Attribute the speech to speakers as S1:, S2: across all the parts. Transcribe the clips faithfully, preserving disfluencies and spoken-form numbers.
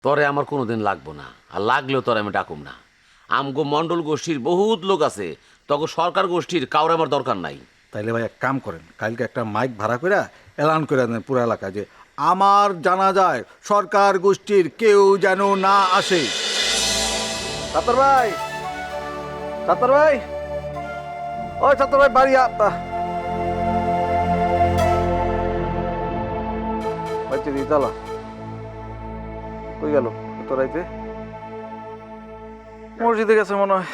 S1: তরে আমার কোনোদিন লাগবো না, আর লাগলেও তোরে আমি ডাকুম না। আমগো মণ্ডল গোষ্ঠীর বহুত লোক আছে, তখন সরকার গোষ্ঠীর কাউরে আমার দরকার নাই।
S2: তাইলে ভাই এক কাম করেন, কালকে একটা মাইক ভাড়া করে এলান করে দেন পুরো এলাকায় যে আমার জানা যায় সরকার গোষ্ঠীর কেউ যেন না আসে। ছাত্র ভাই, ছাত্র ভাই, ওই ছাত্র ভাই বাড়ি তালা কই গেল তোরাইতে? মসজিদে গেছে মনে হয়।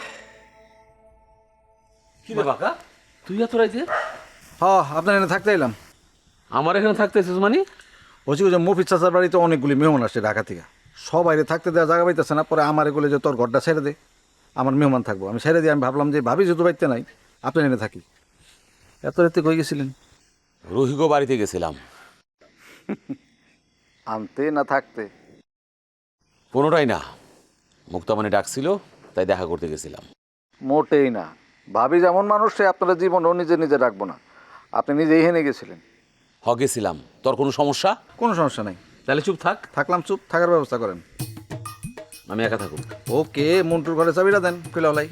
S1: কি রে বাকা, তুই এত রাইতে?
S2: হ্যাঁ, আপনার এখানে থাকতে এলাম।
S1: আমার এখানে থাকতেছিস মানে?
S2: বলছি যে মফিজ চাচার বাড়িতে অনেকগুলি মেহমান আসছে ঢাকা থেকে, সবাই থাকতে দেওয়া জায়গা পাইতেছে না। পরে আমার এগুলো যে তোর ঘরটা ছেড়ে দে, আমার মেহমান থাকবো। আমি ছেড়ে দিয়ে আমি ভাবলাম যে ভাবি যেহেতু বাড়িতে নাই, আপনি এনে থাকি। এত রাতে কই গেছিলেন?
S1: রহিগো বাড়িতে গেছিলাম।
S2: আনতে না থাকতে?
S1: কোনোটাই না, মুক্তামণি ডাকছিল তাই দেখা করতে গেছিলাম।
S2: মোটেই না। ভাবি যেমন মানুষ সে আপনারা জীবনও নিজে নিজে রাখবো না। আপনি নিজেই হেনে গেছিলেন।
S1: হ গেছিলাম, তোর কোনো সমস্যা?
S2: কোনো সমস্যা নাই।
S1: তাহলে চুপ থাক।
S2: থাকলাম চুপ, থাকার ব্যবস্থা করেন।
S1: আমি একা থাকুক।
S2: ওকে, মন্টুর ঘরে চাবিটা দেন, কইলাই।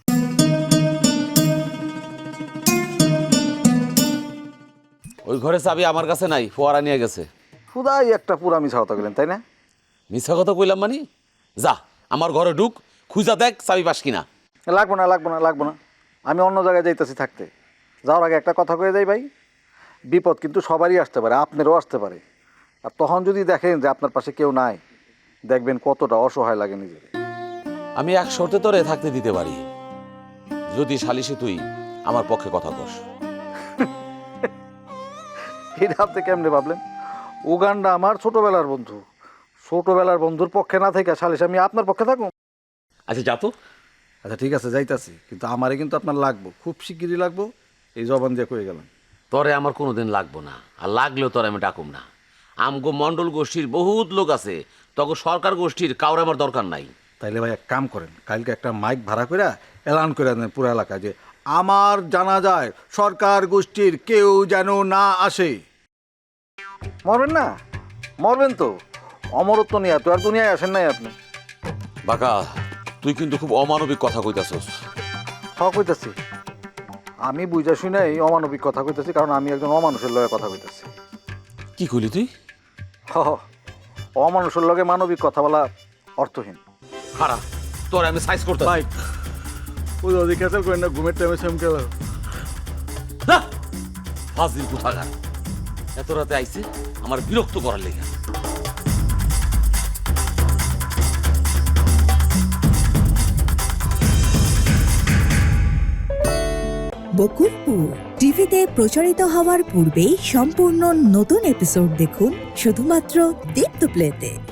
S1: ওই ঘরে চাবি আমার কাছে নাই, ফোয়ারা নিয়ে গেছে।
S2: খুদাই একটা পুরা মিছা কথা গেলেন, তাই না?
S1: মিথ্যা কথা কইলাম মানে? যা আমার ঘরে ঢুক, খুঁজা দেখ চাবি পাস কিনা।
S2: লাগবো না, লাগবো না, লাগবো না। আমি অন্য জায়গায় যাইতেছি থাকতে। যাওয়ার আগে একটা কথা কয়ে যাই ভাই, বিপদ কিন্তু সবারই আসতে পারে, আপনারও আসতে পারে। আর তখন যদি দেখেন যে আপনার পাশে কেউ নাই, দেখবেন কতটা অসহায় লাগে নিজেকে।
S1: আমি এক শর্তে তোরে থাকতে দিতে পারি, যদি সালিশে তুই আমার পক্ষে কথা কস।
S2: এটা আপনি কেমনে ভাবলেন? উগান্ডা আমার ছোটবেলার বন্ধু। ছোটবেলার বন্ধুর পক্ষে না থেকে সালিশ আমি আপনার পক্ষে থাকুন?
S1: আচ্ছা যা তো।
S2: আচ্ছা ঠিক আছে, যাইতাছি, কিন্তু আমারে কিন্তু আপনার লাগবো, খুব শিগগিরই লাগবো। এই জবান দিয়ে কয়ে গেলাম।
S1: তরে আমার কোনোদিন লাগবো না, আর লাগলেও তোরে আমি ডাকুম না। আমগো মণ্ডল গোষ্ঠীর বহুত লোক আছে, তখন সরকার গোষ্ঠীর কাউরে আমার দরকার নাই।
S2: তাইলে ভাই এক কাম করেন, কালকে একটা মাইক ভাড়া করে এলান করে দেন পুরো এলাকায় যে আমার জানা যায় সরকার গোষ্ঠীর কেউ যেন না আসে। মরবেন না? মরবেন তো। অমরত্ব নিয়ে তো আর দুনিয়ায় আসেন নাই আপনি।
S1: বাকা, তুই কিন্তু খুব অমানবিক কথা কইতাছস।
S2: হক হইতেছি, আমি বুঝা শুনে এই অমানবিক কথা কইতেছি, কারণ আমি একজন অমানুষের লগে কথা কইতেছি।
S1: কি কইলি তুই?
S2: হ হ, অমানুষের লগে মানবিক কথা বলা অর্থহীন।
S1: খারা, তোরে আমি সাইজ করতে
S2: ভাই ওই অধিকার করেন না, ঘুমের টাইমে সেমকে
S1: ফাজিল কোথাকার, এত রাতে আইছে আমার বিরক্ত করার লেগে।
S3: বকুলপুর টিভিতে প্রচারিত হওয়ার পূর্বেই সম্পূর্ণ নতুন এপিসোড দেখুন শুধুমাত্র দীপ্ত প্লেতে।